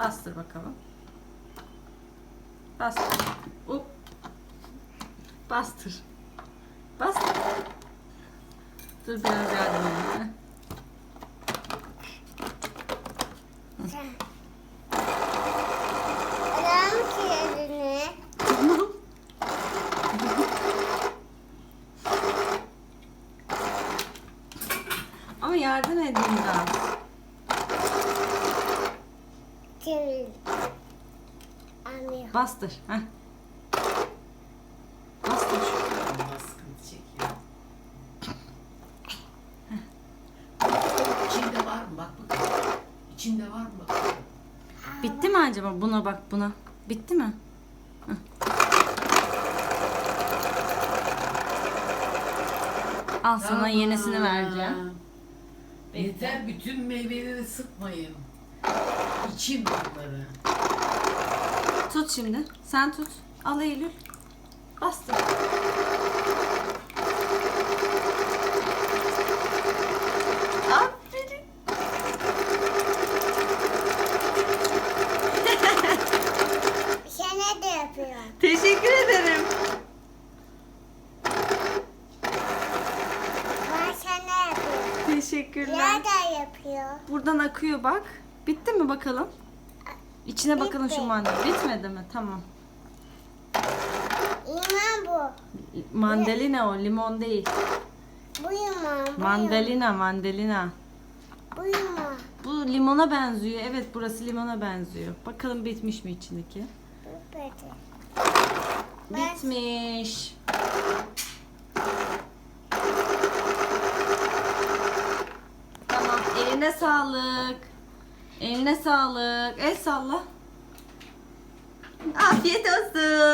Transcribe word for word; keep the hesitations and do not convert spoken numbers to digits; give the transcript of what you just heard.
Bastır bakalım. Bastır. Up. Bastır. Bastır. Dur biraz yardım edeyim. Adam kilidini. Ama yardım edeyim biraz. Kilit. Anlıyor. Bastır. Heh. Bastır. Baskını çekiyor. İçinde var mı? Bak bakalım. İçinde var mı? Bak. Bitti mi acaba? Buna bak buna. Bitti mi? Heh. Al sana Tamam. yenisini vereceğim. Yeter, bütün meyveleri sıkmayın. İçin bunları. Tut şimdi. Sen tut. Al Eylül. Bastır. Aferin. Sen de yapıyor. Teşekkür ederim. Ben sana yapıyorum. Teşekkürler. Nerede yapıyor? Buradan akıyor bak. Bitti mi bakalım? İçine bakalım şu Bitti. mandalina. Bitmedi mi? Tamam. İman bu. Mandalina o, limon değil. Bu iman. Bu Mandalina, mandalina. Bu iman. Bu limona benziyor. Evet, burası limona benziyor. Bakalım bitmiş mi içindeki? Bu böyle. Bitmiş. Tamam, eline sağlık. Eline sağlık. El salla. Afiyet olsun.